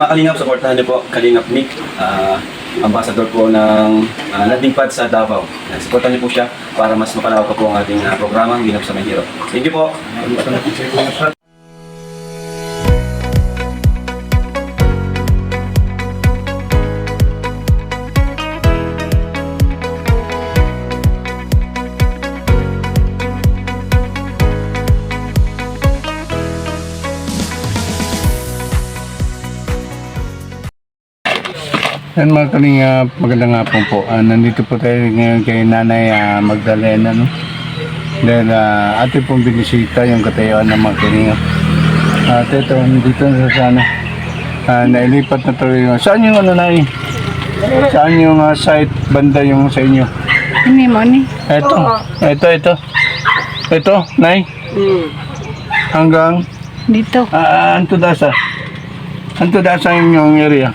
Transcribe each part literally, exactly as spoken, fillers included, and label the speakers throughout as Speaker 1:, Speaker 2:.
Speaker 1: Mga Kalingap, supportahan niyo po Kalingap Nick, uh, ambassador po ng uh, landing pad sa Davao. Uh, supportahan niyo po siya para mas mapalawak pa po ang ating uh, programang Ginap sa Mahirap. Thank you po.
Speaker 2: Yan mga Kalingap, magandang hapon po. Uh, nandito po tayo ngayon kay Nanay uh, Magdalena, no? Dahil uh, ating pong binisita yung katayuan ng mga Kalingap. At ito, dito na sa ano, uh, nailipat na tuloy yung... Saan yung ano, Nay? Saan yung uh, site, banda yung sa inyo?
Speaker 3: Ini mo ni.
Speaker 2: Ito, ito, ito. Ito, Nay? Hanggang?
Speaker 3: Dito.
Speaker 2: Uh, Antudasa. Antudasa yung area.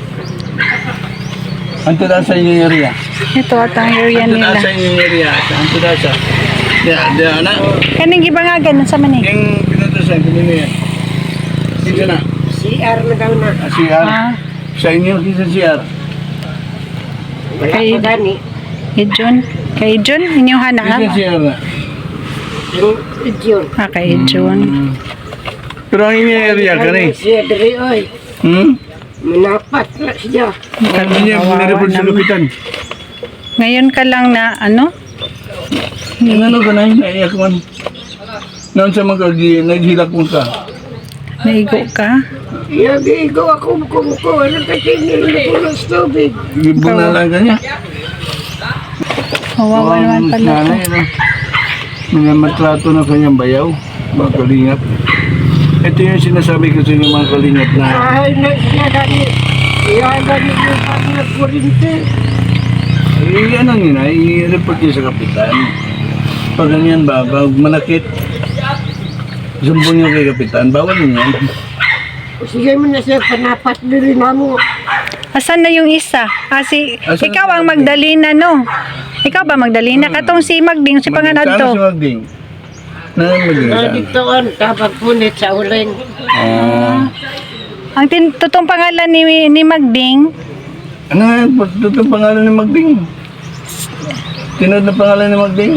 Speaker 2: Anto da sa inyong area?
Speaker 3: Ito at ang area
Speaker 2: Anto da
Speaker 3: nila.
Speaker 2: sa inyong area? Anto da sa? Ya, ya na.
Speaker 3: Kaning gibangagan sa man eh.
Speaker 2: Yung pinutusan, kanino yan? Sino na?
Speaker 4: C R na daw na.
Speaker 2: Ah, C R?
Speaker 3: Ah,
Speaker 2: Sa inyo, kisa C R?
Speaker 4: Wala
Speaker 3: Kay-
Speaker 4: pa gani.
Speaker 3: kay John. Kay John, inyong hana
Speaker 2: Kisa
Speaker 3: nga.
Speaker 2: C R na?
Speaker 4: Yung video.
Speaker 3: Ah, kay John.
Speaker 2: Hmm. Pero ang inyong area, kani?
Speaker 4: Siya dari oy.
Speaker 2: Hmm?
Speaker 4: Manapat na siya.
Speaker 2: Ano niya, pinareport sa lupitan?
Speaker 3: Ngayon ka lang na ano?
Speaker 2: Ang ano ka na, naiyak man. Noon sa mga naghilak mo ka.
Speaker 3: Naigo ka?
Speaker 4: Yagigo ako kumuko. Ano kasi nilupulos tubig.
Speaker 2: Gibo na lang ka niya.
Speaker 3: Kawawa naman pala to.
Speaker 2: Nanay, ano? Minamatrato na kanyang bayaw, mga Kalingap. Ito yung sinasabi ko sa inyo mga Kalingap na
Speaker 4: Ay na siya gani. Iya gani yung pag kurinte.
Speaker 2: eh, ano nyo na, i-report nyo sa kapitan. Pag ganyan ba, pag manakit, sumbong nyo kay kapitan, bawal nyo yan.
Speaker 4: Sige mo na siya panapat diri na mo.
Speaker 3: Asan na yung isa? Ah, si,
Speaker 2: Asan
Speaker 3: ikaw
Speaker 2: na
Speaker 3: ang
Speaker 2: si
Speaker 3: Magdalena, no? Ikaw ba Magdalena? Katong si Magding, si panganad
Speaker 2: Sana
Speaker 3: to.
Speaker 2: si Magding. Na Magding
Speaker 4: Na
Speaker 2: saan?
Speaker 4: dito on tabag punit sa uling.
Speaker 2: Ah,
Speaker 3: Ang tin totoong pangalan ni, ni Magding,
Speaker 2: ano nga, ito itong pangalan ni Magding? Tinod na pangalan ni Magding?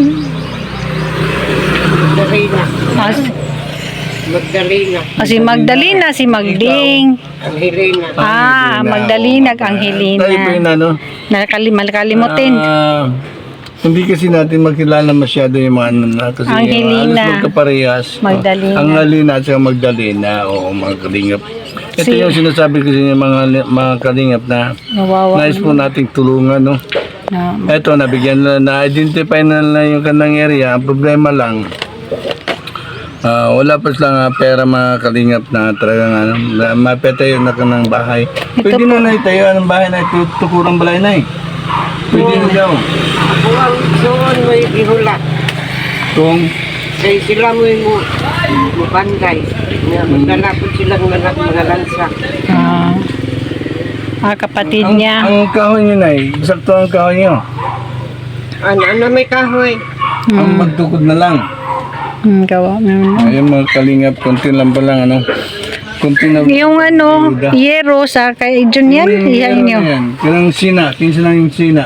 Speaker 4: Magdalena.
Speaker 3: ah,
Speaker 4: Magdalena.
Speaker 3: ah, si Magdalena, si Magding.
Speaker 4: Ang Helena.
Speaker 3: Ah, Magdalena, ang
Speaker 2: Tayo po
Speaker 3: Helena.
Speaker 2: yun ano?
Speaker 3: Nakali, malakalimutin.
Speaker 2: Ah, hindi kasi natin makilala masyado yung mga ano na kasi
Speaker 3: Ang
Speaker 2: uh,
Speaker 3: Helena.
Speaker 2: halos magkaparehas.
Speaker 3: Magdalena.
Speaker 2: Ang Helena at saka Magdalena o mga Kalingap. Ito
Speaker 3: Si-
Speaker 2: yung sinasabi ko sa inyo mga, mga Kalingap na
Speaker 3: Nawawa.
Speaker 2: nais po nating tulungan. No?
Speaker 3: Na,
Speaker 2: Ito, nabigyan na, na-identify na na yung kanang area. Ang problema lang, ah, wala pa silang ah, pera mga Kalingap na talagang ano, na, mapetayo na kanang bahay.
Speaker 3: Ito
Speaker 2: Pwede na na itayo ng bahay na ito, tukurang balay na eh. Pwede na daw.
Speaker 4: Ako ang suon mo yung gihula.
Speaker 2: Kung
Speaker 4: Kaya sila mo yung mo banday. Nga magdala po silang mga mga lansa.
Speaker 3: ah, ah, kapatid
Speaker 2: ang,
Speaker 3: niya.
Speaker 2: ang kahoy nyo na eh, eksakto ang kahoy nyo.
Speaker 4: Ano, ano may kahoy?
Speaker 2: Ang magtukod na lang.
Speaker 3: Hmm, gawa mo.
Speaker 2: Ayun mga Kalingap, konti lang pa lang ano. Konti na.
Speaker 3: Yung ano, yero sa kay John yan,
Speaker 2: Hmm,
Speaker 3: iyan
Speaker 2: meron
Speaker 3: nyo.
Speaker 2: yan. Kailang sina, kinsa lang yung sina.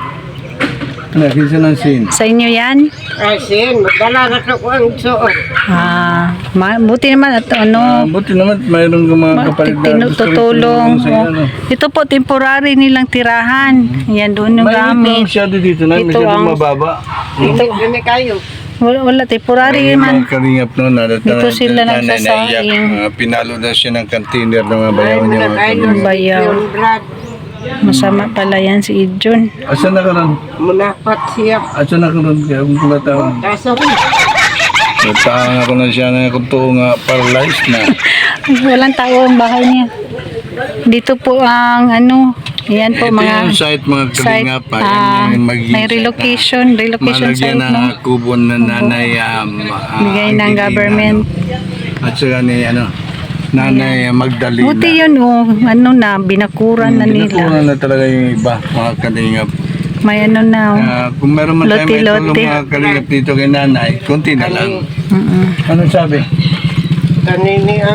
Speaker 2: Ano, kinsa lang sin.
Speaker 3: Sa inyo yan?
Speaker 4: Ay, sin, magdala na ko ang suon.
Speaker 3: Ah, ma- buti naman at
Speaker 2: Ah,
Speaker 3: ano,
Speaker 2: buti naman mayroon ka mga
Speaker 3: ma-
Speaker 2: kapalit na
Speaker 3: tinu-
Speaker 2: gusto rin
Speaker 3: tutulong.
Speaker 2: tumulong sa iyo, ano.
Speaker 3: Oh, ito po, temporary nilang tirahan. Yan doon yung
Speaker 2: May ito
Speaker 3: gamit.
Speaker 2: masyado dito na,
Speaker 3: Ito
Speaker 2: masyado
Speaker 3: ang-
Speaker 2: mababa.
Speaker 4: Dito, gani kayo.
Speaker 3: Wala, wala temporary
Speaker 2: Ayun,
Speaker 3: man.
Speaker 2: mga Kalingap no, na,
Speaker 3: Dito sila nagsasaing.
Speaker 2: Uh, pinalo na siya ng container ng mga bayaw
Speaker 4: Ay,
Speaker 2: niya.
Speaker 4: mga
Speaker 2: mga
Speaker 4: kayo.
Speaker 2: Kalingap.
Speaker 3: Bayaw.
Speaker 4: Yung brad.
Speaker 3: Masama pala yan si John.
Speaker 2: Asan na ka ron?
Speaker 4: Munapat siya.
Speaker 2: Asan na ka ron? Kaya kung kula taon.
Speaker 4: Kaso rin.
Speaker 2: Nagtahan ako na siya na kung to nga paralyzed na.
Speaker 3: Ay, walang tao ang bahay niya. Dito po ang ano, yan po
Speaker 2: Ito
Speaker 3: mga
Speaker 2: yung site mga
Speaker 3: site,
Speaker 2: Kalingap.
Speaker 3: ah,
Speaker 2: Ayan yung magiging
Speaker 3: may
Speaker 2: site na
Speaker 3: relocation, relocation
Speaker 2: malagyan
Speaker 3: site,
Speaker 2: ng
Speaker 3: no?
Speaker 2: kubo na nanay um, ah,
Speaker 3: Bigay ng
Speaker 2: Angelina,
Speaker 3: government.
Speaker 2: no? At saka ni ano, nanay Magdalena.
Speaker 3: Buti yun, oh, ano na, binakuran na nila.
Speaker 2: Binakuran na talaga yung iba, mga Kalingap.
Speaker 3: May ano na, oh.
Speaker 2: Ah, kung meron man tayo may tulong
Speaker 3: Lote-lote.
Speaker 2: mga Kalingap dito kay nanay, konti na lang.
Speaker 3: Mm-mm.
Speaker 2: Anong sabi?
Speaker 4: Kanini ang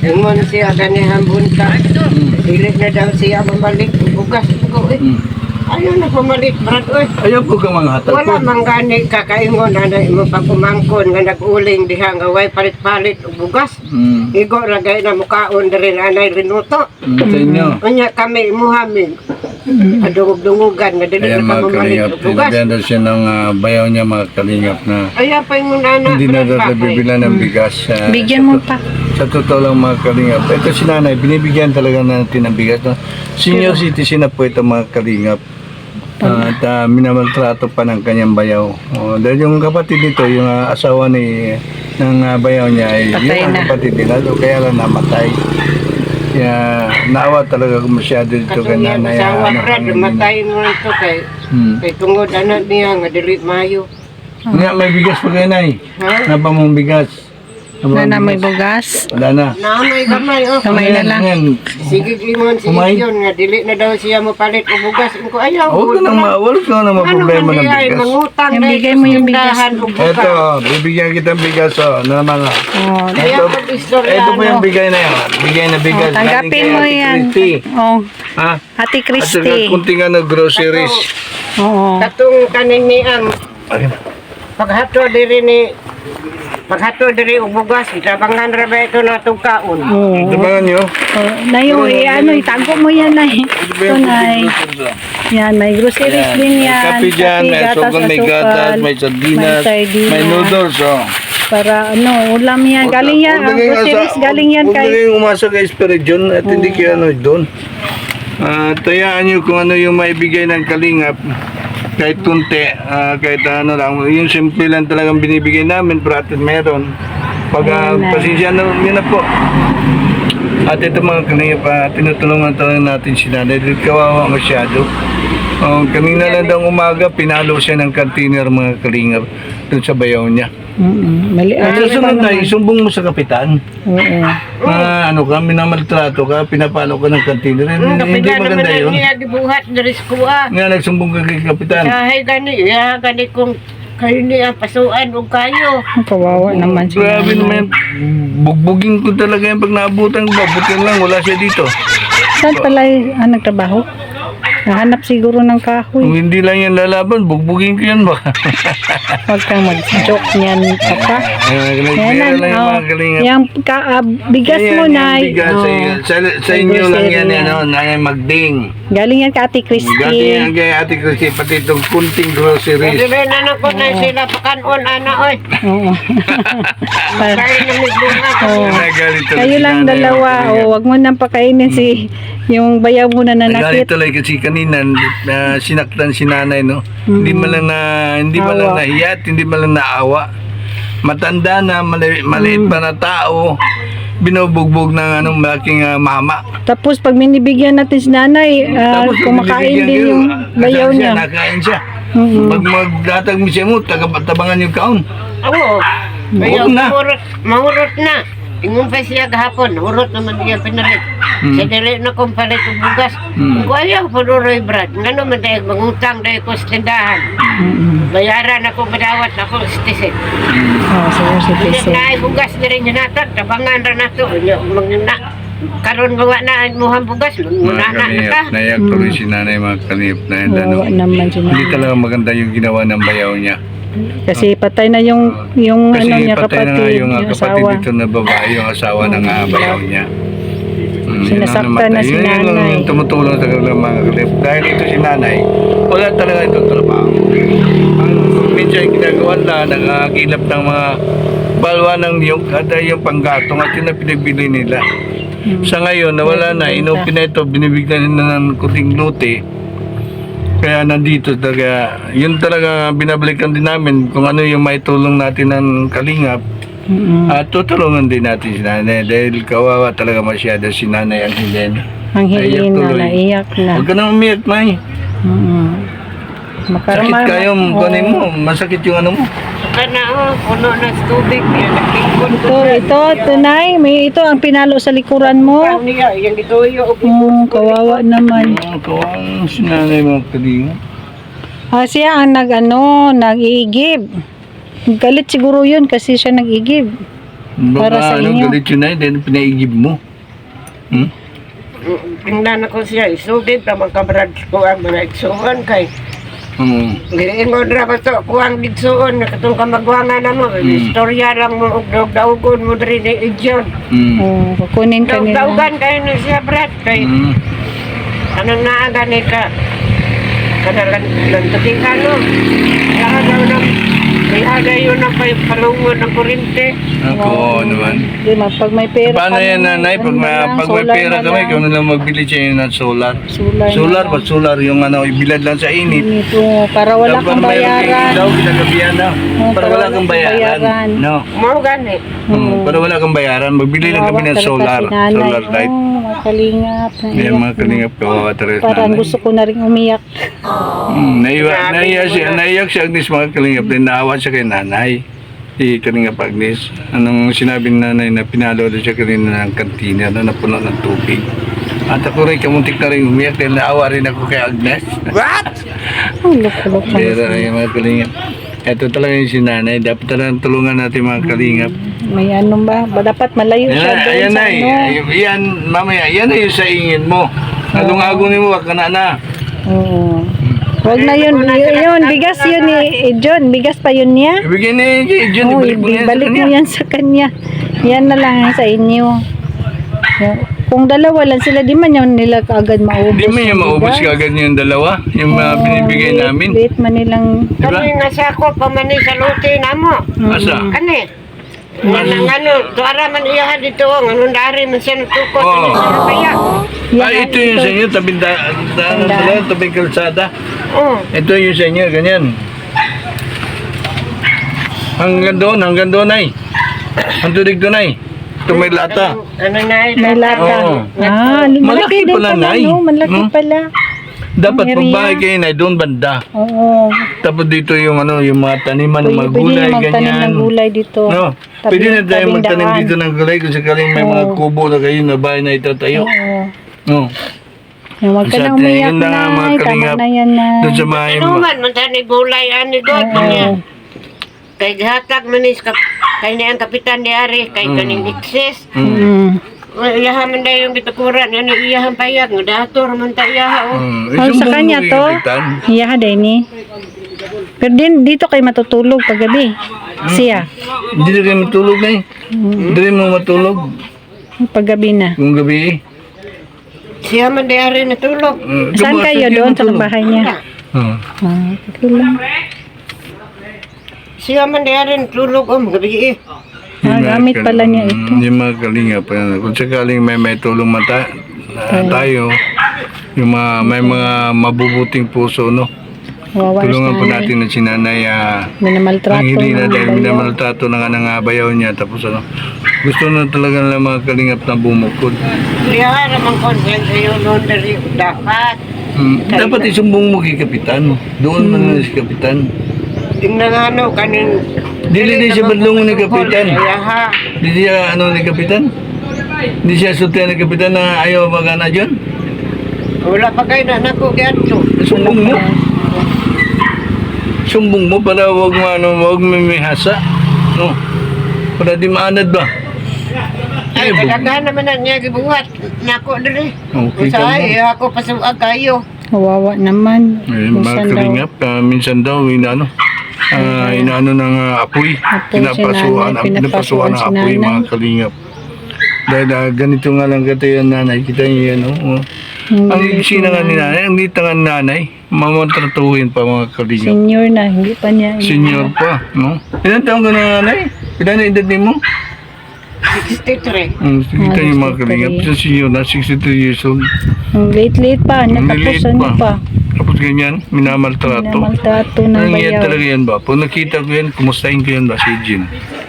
Speaker 4: Ingon siya ganihan bunta. Dili na daw siya mamalik. Bugas ko eh.
Speaker 2: Mm.
Speaker 4: Ayaw na pumalit, brad. Oy.
Speaker 2: Ayaw po ka mga hatag
Speaker 4: Wala
Speaker 2: po.
Speaker 4: man gani kakaingon na mo pagkumangkon nga nag-uling diha nga way palit-palit og bugas.
Speaker 2: Mm.
Speaker 4: Igo ragay na mukaon diri anay rinuto.
Speaker 2: Mm, sa inyo.
Speaker 4: Unya kami imuhamin. Adungog-dungugan nga dili
Speaker 2: Kaya
Speaker 4: na
Speaker 2: mga
Speaker 4: mamalit
Speaker 2: kalingap,
Speaker 4: og bugas.
Speaker 2: tinabenda siya ng ah, bayaw niya mga kalingap na
Speaker 4: Aya pa yung nana.
Speaker 2: hindi na
Speaker 4: brad,
Speaker 2: daw
Speaker 4: bakay.
Speaker 2: nabibila ng bigas. ah,
Speaker 3: Bigyan
Speaker 2: sa
Speaker 3: mo
Speaker 2: to-
Speaker 3: pa.
Speaker 2: Sa totoo lang mga kalingap. Ito si nanay, binibigyan talaga natin ng bigas. No? Senior citizen na po ito mga kalingap. Ah, at uh, minamaltrato pa ng kanyang bayaw. Oh, dahil yung kapatid nito, yung ah, asawa ni ng ah, bayaw niya ay
Speaker 3: Patay
Speaker 2: yun ang
Speaker 3: na.
Speaker 2: kapatid nila. So, kaya lang namatay. Kaya naawa talaga ko masyado dito
Speaker 4: Kaso
Speaker 2: kay
Speaker 4: niya
Speaker 2: nanay.
Speaker 4: masawa
Speaker 2: ano,
Speaker 4: brad,
Speaker 2: ang-
Speaker 4: matay mo to kay
Speaker 2: Hmm.
Speaker 4: kay tungod anak niya nga dili mayo.
Speaker 2: Nga, may bigas pa kayo, Nay.
Speaker 4: Ha?
Speaker 2: Napa mong bigas. Napa
Speaker 3: Na na
Speaker 2: mong
Speaker 3: may
Speaker 2: bigas?
Speaker 3: bugas.
Speaker 2: Wala na.
Speaker 4: Naamay gamay oh.
Speaker 3: Kamay na lang.
Speaker 2: Yan.
Speaker 4: Sige limon, sige
Speaker 2: Umay.
Speaker 4: yun nga dili na daw siya mo palit o bugas. Ko ayaw.
Speaker 2: Huwag ka nang ma- wala ka nang
Speaker 4: Ano
Speaker 2: maproblema
Speaker 4: man
Speaker 2: ng
Speaker 4: di ay
Speaker 2: bigas.
Speaker 4: mangutang
Speaker 3: Yung
Speaker 4: na
Speaker 3: bigay mo yung bigas.
Speaker 4: tindahan o bugas.
Speaker 2: Ito, bibigyan kita ng bigas, oh, na mga.
Speaker 3: Oh,
Speaker 4: Kaya
Speaker 2: Ito,
Speaker 4: pag istorya
Speaker 2: ito po yung
Speaker 4: ano.
Speaker 2: bigay na yan. Bigay na bigas.
Speaker 3: oh, tanggapin
Speaker 2: Galing kay
Speaker 3: mo
Speaker 2: Ate
Speaker 3: yan.
Speaker 2: Christy.
Speaker 3: Oh,
Speaker 2: Ha?
Speaker 3: Ate
Speaker 2: At saka
Speaker 3: Christy.
Speaker 2: kunting ano, groceries.
Speaker 3: Oo.
Speaker 4: Katong kanin ni ang
Speaker 2: Ayun.
Speaker 4: paghato diri ni paghato diri og bugas itabangan ra ba ito na itong kaon.
Speaker 3: Oo.
Speaker 2: Tabangan nyo.
Speaker 3: Oh, Nayo, eh, ano, itago mo yan, Nay. Ito, Nay. Yan, may groceries din yan.
Speaker 2: Kape dyan, may
Speaker 3: gatas,
Speaker 2: asukal, may gatas, may sardinas,
Speaker 3: may sardinas.
Speaker 2: may noodles, oh.
Speaker 3: Para, ano, ulam yan. Galing yan, ang
Speaker 2: Huwag na kayong
Speaker 3: groceries,
Speaker 2: asa-
Speaker 3: galing yan
Speaker 2: huwag na
Speaker 3: kay...
Speaker 2: kayong umasa kay Espiridion at hindi kayo ano doon. Ah, tayaan nyo kung ano yung maibigay ng kalingap. Kahit kunti, ah, kahit ano lang. Yung simple lang talagang binibigay namin, pero at meron. Pag uh,
Speaker 3: Amen.
Speaker 2: pasensya na, yun na po. At ito mga kalingap, uh, tinutulungan talaga natin si nanay. Dahil kawawa masyado. Oh, kanina lang daw umaga, pinalo siya ng container mga kalingap doon sa bayaw niya.
Speaker 3: Mm-mm. Mali,
Speaker 2: At
Speaker 3: mali
Speaker 2: sa sunod
Speaker 3: pa
Speaker 2: na,
Speaker 3: naman.
Speaker 2: isumbong mo sa kapitan.
Speaker 3: Oo.
Speaker 2: Na ano ka, minamaltrato ka, pinapalo ka ng container.
Speaker 4: Hmm,
Speaker 2: Hindi
Speaker 4: kapila naman
Speaker 2: maganda
Speaker 4: na
Speaker 2: yun.
Speaker 4: niya gibuhat diri sa kuha.
Speaker 2: Nga nagsumbong ka kay kapitan.
Speaker 4: Sahay gani, ya gani kung kayo niya pasuan o kayo.
Speaker 3: Kawawa naman siya.
Speaker 2: Grabe naman, bugbugin ko talaga yung pag naabutan ko. Buti lang, wala siya dito.
Speaker 3: Saan pala ah, nagtrabaho? Nahanap siguro ng kahoy.
Speaker 2: Kung hindi lang yan lalaban, bugbugin ko yan ba?
Speaker 3: Huwag kang mag-joke niyan, papa.
Speaker 2: Yan
Speaker 3: Yan
Speaker 2: lang yung
Speaker 3: oh,
Speaker 2: mga kalingap.
Speaker 3: yung ka, ah, bigas
Speaker 2: Ayan,
Speaker 3: mo,
Speaker 2: yung
Speaker 3: Nay.
Speaker 2: bigas,
Speaker 3: Oh.
Speaker 2: sa, sa, sa inyo lang yan, yan, ano, nanay magding.
Speaker 3: Galing yan ka Ate
Speaker 2: Gati
Speaker 3: Christy.
Speaker 2: yan kay Ate Christy, pati itong kunting groceries.
Speaker 4: Dili na na ko na sila pakanon ana oy.
Speaker 3: Oo.
Speaker 4: Kaya na may bunga.
Speaker 3: Oo.
Speaker 2: Nagalit tuloy
Speaker 3: Kayo
Speaker 2: si
Speaker 3: lang
Speaker 2: nanay,
Speaker 3: dalawa.
Speaker 2: mga
Speaker 3: O,
Speaker 2: kalingap.
Speaker 3: wag mo nang pakainin si yung bayaw mo na
Speaker 2: Nagalit
Speaker 3: nanakit.
Speaker 2: tuloy kasi kanina na sinaktan si nanay, no? Hindi man lang na hindi man lang
Speaker 3: Awa.
Speaker 2: nahiyat, hindi man lang naawa. Matanda na, mali, maliit pa na tao, binubugbog ng anong malaking ah, mama.
Speaker 3: Tapos pag minibigyan natin si nanay, ah,
Speaker 2: Tapos
Speaker 3: kumakain
Speaker 2: binibigyan
Speaker 3: din
Speaker 2: kayo,
Speaker 3: yung bayaw
Speaker 2: kasama siya,
Speaker 3: niya.
Speaker 2: Nakain siya.
Speaker 3: Mm-mm.
Speaker 2: Pag magdatag mo siya mo, taga-tabangan yung kaon.
Speaker 4: Oo. Kaya
Speaker 2: Huwag na.
Speaker 4: mahurot, mahurot na. Ingon pa siya gahapon, hurot naman niya pinalit.
Speaker 2: Hmm.
Speaker 4: Sa dili na kong palit og bugas.
Speaker 2: Hmm.
Speaker 4: Kung ayaw po Roy Brad, nga naman dahil mangutang dahil ko sa tindahan.
Speaker 3: Mm-mm.
Speaker 4: Bayaran ako, madawat ako sa tisit.
Speaker 3: Oh, so, si
Speaker 4: Hindi
Speaker 3: Christy.
Speaker 4: na ay bugas na rin hinatag, tabangan ra na to. Mga karon gawa na ang muhang bugas,
Speaker 2: Mga
Speaker 4: muna na na
Speaker 2: kaniyap,
Speaker 4: ka.
Speaker 2: naiyak tuloy si nanay mga kaniyap na yan. Ano,
Speaker 3: Kawawa naman si
Speaker 2: hindi
Speaker 3: nanay.
Speaker 2: talaga maganda yung ginawa ng bayaw niya.
Speaker 3: Kasi patay na yung yung
Speaker 2: Kasi
Speaker 3: ano niya
Speaker 2: patay na nga
Speaker 3: kapatid,
Speaker 2: yung, ah,
Speaker 3: yung
Speaker 2: kapatid
Speaker 3: asawa.
Speaker 2: dito na babae, yung asawa ng uh, bayaw niya. Mm, yun ang
Speaker 3: Sinasaktan na
Speaker 2: namatay.
Speaker 3: si
Speaker 2: Yun lang
Speaker 3: nanay.
Speaker 2: yung tumutulong sa kanilang mga kalip. Dahil ito si nanay, wala talaga itong trabaho. Ang minsan ginagawa na, nangagilap ng mga balwa ng niyog at ay yung panggatong at yun ang pinagbili nila.
Speaker 3: Hmm.
Speaker 2: Sa ngayon, nawala na, inupin na ito, binibigyan nila ng kuting luti. Kaya nandito talaga, yun talaga binabalikan din namin kung ano yung maitulong natin ng kalingap.
Speaker 3: Mm-mm.
Speaker 2: At tutulungan din natin si nanay dahil kawawa talaga masyado si nanay ang Helen.
Speaker 3: Ang
Speaker 2: Naiyak
Speaker 3: hilin na,
Speaker 2: tuloy.
Speaker 3: naiyak na.
Speaker 2: Huwag ka nang umiyak, May.
Speaker 3: Mm-mm.
Speaker 2: Sakit
Speaker 3: Makarama-
Speaker 2: kayo,
Speaker 3: Oo.
Speaker 2: kunin mo, masakit yung ano mo.
Speaker 4: Saka na oh, puno na sa tubig. Kaya nagkikon
Speaker 3: Ito, ito, tunay. May ito ang pinalo sa likuran mo.
Speaker 4: Ang niya, yung ituyo.
Speaker 3: Mm, kawawa naman.
Speaker 2: Oh, kawang si nanay mga kalingap.
Speaker 3: Ah, siya ang nag, ano, nag-iigib. Galit siguro yun kasi siya nag-igib. Para
Speaker 2: Baka
Speaker 3: sa
Speaker 2: ano,
Speaker 3: inyo.
Speaker 2: galit yun na, then pinaigib mo. Hmm?
Speaker 4: Tingnan ako siya, isugid pa mga kabrad ko ang mga igsuon kay
Speaker 2: Hmm.
Speaker 4: giingon ra ba to ko ang igsuon nakatong kamagwangan na mo.
Speaker 2: Mm.
Speaker 4: Istorya lang mo og daug-daugon mo diri ni Ijon.
Speaker 2: Hmm.
Speaker 3: Oh, kukunin ka nila.
Speaker 4: Daug-daugan kayo na siya brad kay
Speaker 2: Hmm.
Speaker 4: anong naaga ni ka kanalan lantukin ka no. Kaya daw na kaya yun na pa palungon ng kurente.
Speaker 2: Ako naman.
Speaker 3: Di ba, pag may pera
Speaker 2: Paano
Speaker 3: kami,
Speaker 2: yan, nanay? Pag,
Speaker 3: ano na
Speaker 2: ma-
Speaker 3: lang,
Speaker 2: pag may
Speaker 3: solar
Speaker 2: pera
Speaker 3: na
Speaker 2: kami,
Speaker 3: lang.
Speaker 2: ikaw na lang magbili siya ng solar.
Speaker 3: Solar,
Speaker 2: Solar
Speaker 3: na
Speaker 2: ba?
Speaker 3: lang.
Speaker 2: Solar yung ano, ibilad lang sa init.
Speaker 3: Init, oo, para wala
Speaker 2: Dapat
Speaker 3: kang
Speaker 2: mayroon kang
Speaker 3: bayaran.
Speaker 2: ilaw, ginagabihan na.
Speaker 3: Oo,
Speaker 2: Para wala kang bayaran. No.
Speaker 4: Mo gani.
Speaker 2: Hmm, para wala kang bayaran, magbili lang kami ng
Speaker 3: Kawawa talaga
Speaker 2: solar.
Speaker 3: si nanay.
Speaker 2: Solar light.
Speaker 3: Oo, mga kalingap.
Speaker 2: Yan
Speaker 3: naiyak
Speaker 2: mga
Speaker 3: na.
Speaker 2: kalingap ko, Teres
Speaker 3: Parang
Speaker 2: nanay.
Speaker 3: gusto ko na rin umiyak.
Speaker 2: Hmm, naiyak, naiyak siya, naiyak siya Agnes mga kalingap. Then naawa siya kay nanay. Si Kalingap Agnes. Anong sinabi ni nanay na pinalo doon siya kanina ng kantina na napuno ng tubig. At ako rin kamuntik na rin umiyak dahil naawa rin ako kay Agnes.
Speaker 4: What?
Speaker 3: Oh, luk-luk na
Speaker 2: Pero
Speaker 3: siya.
Speaker 2: ay mga kalingap. Ito talaga yung si nanay. Dapat talagang tulungan natin mga kalingap.
Speaker 3: May ano ba? Ba dapat malayo
Speaker 2: Yan
Speaker 3: siya
Speaker 2: na,
Speaker 3: doon
Speaker 2: ayan
Speaker 3: sa
Speaker 2: na
Speaker 3: ano.
Speaker 2: eh. Yan, mamaya, yan na yung sa ingin mo. Along-agong mo, wag ka na na.
Speaker 3: Oo. Huwag na yun. Yun, yun, bigas yun ni eh, John. Bigas pa yun niya.
Speaker 2: Ibigay na yun kay John.
Speaker 3: Oo,
Speaker 2: Ibalik mo na yan sa
Speaker 3: ibalik mo
Speaker 2: kanya.
Speaker 3: yan sa kanya. Yan na lang sa inyo. Kung dalawa lang sila, di man yun nila kaagad maubos.
Speaker 2: Hindi mo yung
Speaker 3: yung
Speaker 2: maubos
Speaker 3: bigas.
Speaker 2: ka agad yung dalawa. Yung mga
Speaker 3: Oo,
Speaker 2: binibigay
Speaker 3: late-
Speaker 2: namin.
Speaker 3: Late man nilang...
Speaker 2: Diba?
Speaker 4: Kani nga sa ako pamani sa luti na mo.
Speaker 2: Asa?
Speaker 4: Kani. Nang ano, tuara man iya dito ang ano dari man siya nagtukot
Speaker 2: Oo.
Speaker 4: kani sa kaya.
Speaker 3: Yan,
Speaker 2: Ay, ito yung sa inyo, tabing da, da, da, tabing kalsada.
Speaker 4: Oh.
Speaker 2: Ito yung sa inyo, ganyan. Hanggang doon, hanggang doon ay. Ang tulig doon ay. Ito may lata.
Speaker 4: Ano na
Speaker 3: May lata.
Speaker 2: Oo.
Speaker 3: Ah, malaki,
Speaker 2: Malaki
Speaker 3: din
Speaker 2: pala,
Speaker 3: pala,
Speaker 2: Nay.
Speaker 3: no? Malaki
Speaker 2: No?
Speaker 3: pala.
Speaker 2: Dapat
Speaker 3: Ang
Speaker 2: pag
Speaker 3: area.
Speaker 2: bahay kayo na doon banda.
Speaker 3: Oo.
Speaker 2: Tapos dito yung ano, yung mga taniman ng
Speaker 3: Pwede,
Speaker 2: mga
Speaker 3: pwede
Speaker 2: gulay,
Speaker 3: na magtanim
Speaker 2: ganyan.
Speaker 3: ng gulay dito.
Speaker 2: No,
Speaker 3: Tabi-
Speaker 2: pwede na tayo
Speaker 3: tabing
Speaker 2: magtanim
Speaker 3: daan.
Speaker 2: dito ng gulay kung sakaling may mga
Speaker 3: Oo.
Speaker 2: kubo na kayo na bahay na itatayo.
Speaker 3: Oo.
Speaker 2: No.
Speaker 3: Yung Huwag ka
Speaker 2: Sa
Speaker 3: na umiyak
Speaker 2: tingin na mga
Speaker 3: na. Tama
Speaker 2: kalingap,
Speaker 3: na yan na.
Speaker 2: Doon sa mga
Speaker 4: Ano man man tani bulay ani god
Speaker 3: Oo.
Speaker 4: niya. Kay gihatag man is kap kay ni ang kapitan ni Ari kay kaning excess.
Speaker 3: Mm.
Speaker 4: Iyahan man daw yung bitukuran yan iyahan payag nga dator man ta iyaha oh.
Speaker 2: Hmm.
Speaker 3: Oh, sa kanya to. Iya ha, Denny. Pero din, dito kayo matutulog paggabi. Siya.
Speaker 2: Hindi na kayo matulog na eh. Hindi mo matulog
Speaker 3: Paggabi na.
Speaker 2: kung gabi eh.
Speaker 4: Siya man di Ari natulog.
Speaker 2: Hmm,
Speaker 3: Saan
Speaker 2: kamu,
Speaker 3: kayo
Speaker 2: hindi
Speaker 3: doon sa
Speaker 2: matulog.
Speaker 3: bahay niya?
Speaker 2: Hmm.
Speaker 3: Ah, okay lang.
Speaker 4: Siya man di Ari natulog oh gabi eh.
Speaker 3: Ah,
Speaker 2: Yung mga
Speaker 3: gamit
Speaker 2: kal-
Speaker 3: pala niya ito.
Speaker 2: mm, Yung mga kalingap. ano, Kung sakaling may may tulong mata na tayo, yung mga, may mga mabubuting puso, no?
Speaker 3: Wawa
Speaker 2: Tulungan po
Speaker 3: siya.
Speaker 2: natin na si nanay ah,
Speaker 3: Minamaltrato.
Speaker 2: ang hindi na
Speaker 3: ng
Speaker 2: dahil
Speaker 3: bayaw.
Speaker 2: minamaltrato na nga ng ah, bayaw niya. Tapos ano, gusto na talaga ng mga kalingap na bumukod.
Speaker 4: Siya naman consent sa iyo laundry dapat.
Speaker 2: Hmm, dapat isumbong mo kay Kapitan. Doon man na si Kapitan.
Speaker 4: Tingnan nga ano kanin
Speaker 2: Dili di siya badlungon ni Kapitan.
Speaker 4: Kaya ha.
Speaker 2: Di siya ano ni Kapitan? Di siya sultihan ni Kapitan na ayaw magana dyan?
Speaker 4: Wala pa kayo na nako gadto.
Speaker 2: Sumbong mo. Sumbong mo para wag mo ano, wag mimihasa. No. Para di maanad ba?
Speaker 4: Ay,
Speaker 2: bu-
Speaker 4: kadaghan naman na niya gibuhat. Nako diri.
Speaker 2: Okay ka
Speaker 4: Usay ako pasuag kayo.
Speaker 3: Kawawa naman.
Speaker 2: Eh, mga
Speaker 3: Minsan daw.
Speaker 2: kalingap, ah, minsan daw, inaano, ah, inaano ng ah, apoy,
Speaker 3: Apoy si
Speaker 2: pinapasuan,
Speaker 3: nanay,
Speaker 2: ang pinapasuan ng
Speaker 3: pinapasuan si
Speaker 2: apoy,
Speaker 3: nanay.
Speaker 2: mga kalingap. Dahil ah, ganito nga lang katayan nanay, kita niyo yan, oh. oh.
Speaker 3: Hindi
Speaker 2: Ang iksi na nga ni nanay, ang dita nga ni nanay, mamatratuhin pa mga kalingap.
Speaker 3: Senior na, hindi pa niya.
Speaker 2: Senior pa, no? Ilan taong ka na nanay? Ilan na edad mo?
Speaker 4: sixty-three.
Speaker 2: Um, kita
Speaker 3: Ah,
Speaker 2: niyo mga kalingap, sa senior na, sixty-three years old.
Speaker 3: Ang late-late pa,
Speaker 2: Ang
Speaker 3: natapos
Speaker 2: liliit
Speaker 3: ano pa.
Speaker 2: Tapos ganyan, minamaltrato.
Speaker 3: Namaltrato ng
Speaker 2: Nangyayari
Speaker 3: bayaw.
Speaker 2: talaga yan ba? Pag nakita ko yan, kumustahin ko yan ba si Jean?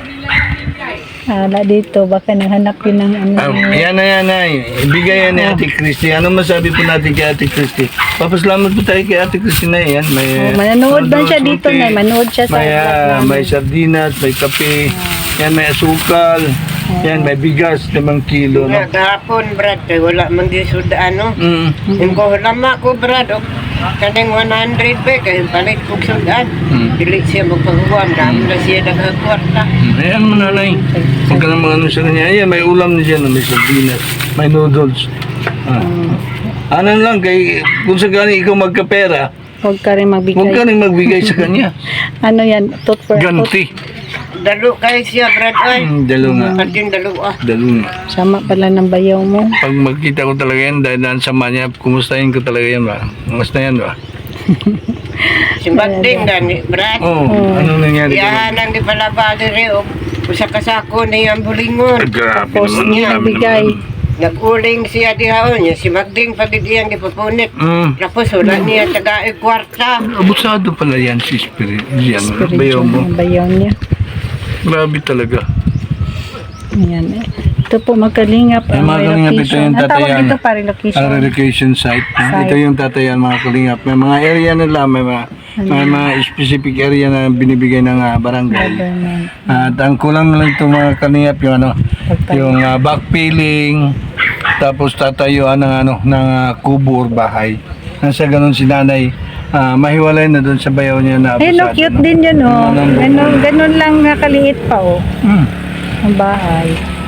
Speaker 3: Ala dito, baka naghanap yun ng ano.
Speaker 2: Ah, yan na yan na. Ibigay yan ni Ate Christy. Ano masabi po natin kay Ate Christy? Papasalamat po tayo kay Ate Christy na yan. May,
Speaker 3: Oh, manonood ba
Speaker 2: ano,
Speaker 3: siya dito
Speaker 2: suti.
Speaker 3: na? Manood siya sa
Speaker 2: May,
Speaker 3: vlog
Speaker 2: ah,
Speaker 3: namin.
Speaker 2: may sardinas, may kape. Yan, may asukal. Yan, may bigas, limang kilo. No?
Speaker 4: Nga gahapon brad kay wala man di suda ano.
Speaker 2: Mm.
Speaker 4: Yung ko lama ko brad og Kaning one hundred ba, kaya balik kong sudan.
Speaker 2: Hmm.
Speaker 4: Dili siya magpagawa, dami na siya nagkakwarta.
Speaker 2: Ayan mo nanay. Huwag ka naman ano sa kanya. Ayan, may ulam na dyan. May sardinas. May noodles. Ah. Ano lang, kay, kung sakali ikaw magkapera,
Speaker 3: Huwag ka rin
Speaker 2: huwag ka
Speaker 3: magbigay.
Speaker 2: rin magbigay sa kanya.
Speaker 3: Ano yan? Tot for tot.
Speaker 2: Ganti.
Speaker 4: Dalo kayo siya, Brad, ay.
Speaker 2: Hmm, dalo nga.
Speaker 4: Pagding dalo, ah.
Speaker 2: Dalo nga.
Speaker 3: Sama pala ng bayaw mo.
Speaker 2: Pag magkita ko talaga yan, dahil daan sama niya, kumustahin ko talaga yan ba? Kumusta yan ba?
Speaker 4: Si Magding, gani, Brad.
Speaker 2: Oo, oh, ano nangyari?
Speaker 4: Iyahan ang di pala ba dire, o. Usa kasako na yung bulingon.
Speaker 2: Grabe
Speaker 3: Tapos
Speaker 2: naman.
Speaker 3: niya
Speaker 2: grabe
Speaker 3: bigay.
Speaker 2: naman.
Speaker 4: Nag-uling siya dihaon niya. Si Magding pagdidiyan di papunit.
Speaker 2: Mm.
Speaker 4: Tapos wala niya taga kwarta.
Speaker 2: Abusado pala yan si Spirit. Yan, bayaw mo.
Speaker 3: Ang bayaw niya.
Speaker 2: Grabe talaga.
Speaker 3: Ayan eh. Ito po magkalingap.
Speaker 2: Ay,
Speaker 3: ang
Speaker 2: mga kalingap, ito
Speaker 3: relocation.
Speaker 2: yung
Speaker 3: Ang tawag
Speaker 2: tatayan.
Speaker 3: dito pa relocation.
Speaker 2: Ang relocation site. ah.
Speaker 3: Site.
Speaker 2: Ito yung tatayan mga kalingap. May mga area nila, may mga, may mga specific area na binibigay ng ah, barangay.
Speaker 3: Government.
Speaker 2: At ang kulang na lang ito mga kalingap yung ano, yung uh, backfilling, tapos tatayuan ng ano, ng uh, kubo or bahay. Nasa ganun si nanay, ah, mahiwalay na doon sa bayaw niya na
Speaker 3: Eh, no,
Speaker 2: abusado
Speaker 3: cute
Speaker 2: na.
Speaker 3: din yun, oh.
Speaker 2: Ano, ano,
Speaker 3: Ganun, ganun lang nakaliit pa, oh.
Speaker 2: Hmm.
Speaker 3: Ang bahay.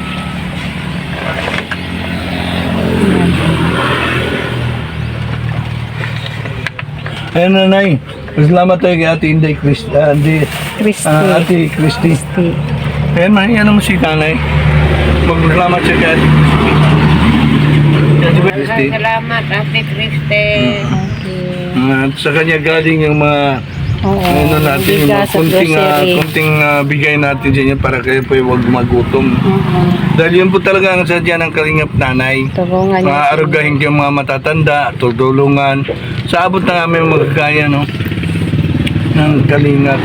Speaker 2: Ayun nanay, salamat tayo kay Ate Inday Christ, ah, Ate,
Speaker 3: Christy.
Speaker 2: ah, Ate Christy.
Speaker 3: Christy.
Speaker 2: Ayan man, yan mo si nanay. Magsalamat siya kay Ate Christy. Kay Ate Christy.
Speaker 4: Salamat, Ate Kriste.
Speaker 3: Okay.
Speaker 2: Ah, At sa kanya galing yung mga
Speaker 3: Oo.
Speaker 2: ano natin, yung mga
Speaker 3: bigas at
Speaker 2: kunting, ah,
Speaker 3: grocery.
Speaker 2: kunting ah, bigay natin sa inyo para kayo po huwag magutom.
Speaker 3: Oo.
Speaker 2: Dahil yun po talaga ang sadya ng kalingap nanay.
Speaker 3: Tulungan niya.
Speaker 2: Maarugahin yung mga matatanda, tutulungan. Sa abot na namin magkakaya, no? Ng kalingap.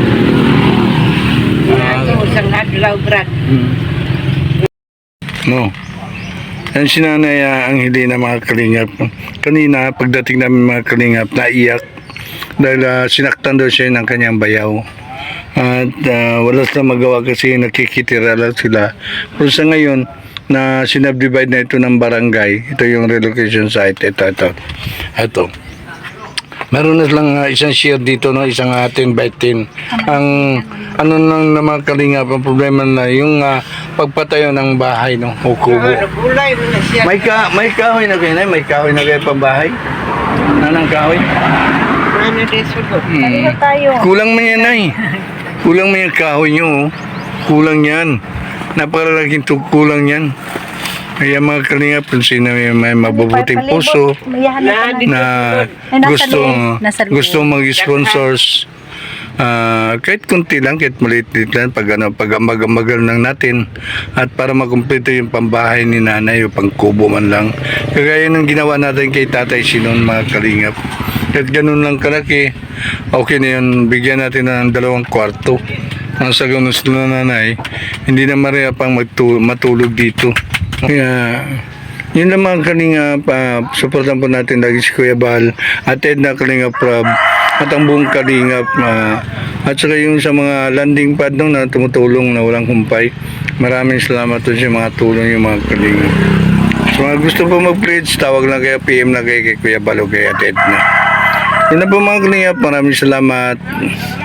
Speaker 4: Ano, isang adlaw, Brad.
Speaker 2: Hmm. No. Yan si nanay ah, ang hindi na mga kalingap. Kanina, pagdating namin mga kalingap, naiyak. Dahil ah, sinaktan daw siya ng kanyang bayaw. At ah, wala silang magawa kasi nakikitira lang sila. Pero sa ngayon, na sinubdivide na ito ng barangay, ito yung relocation site, ito, ito. Ito. Meron na lang ah, isang share dito, no? Isang uh, ten by ten. Ang ano nang naman kalingap, ang problema na yung ah, pagpatayo ng bahay, no? O kubo.
Speaker 4: Ano, gulay mo na siya.
Speaker 2: May ka may kahoy na kayo na, may kahoy na kayo pambahay. Nanang kahoy.
Speaker 4: Ano din sulod.
Speaker 3: Kanino tayo?
Speaker 2: Kulang man yan ay. Kulang man yung kahoy nyo. Oh. Kulang yan. Napakalaking tu- kulang yan. Kaya mga kalingap, kung sino may, may mabubuting puso
Speaker 3: Mayahan na ka na.
Speaker 2: na gusto
Speaker 3: Nasa loob.
Speaker 2: gusto mag-sponsors, ah, kahit kunti lang, kahit maliit-liit lang, pag, ano, pag amag-amagal lang natin at para makumpleto yung pambahay ni nanay o pangkubo man lang. Kagaya ng ginawa natin kay Tatay Sinon mga kalingap. Kahit ganun lang kalaki, okay na yun, bigyan natin ng dalawang kwarto. Ang sa ganun sila nanay, hindi na maria pang magtu- matulog dito. Kaya, yun lang mga kalingap, uh, supportan po natin lagi si Kuya Bal, at Ed na Kalingap Rob, at ang buong kalingap, uh, at saka yung sa mga landing pad nung na tumutulong na walang humpay. Maraming salamat po sa mga tulong yung mga kalingap. So mga gusto po mag-pledge, tawag lang kayo, P M na kayo kay Kuya Bal o kay Ate Ed na. Yun na po mga kalingap, maraming salamat.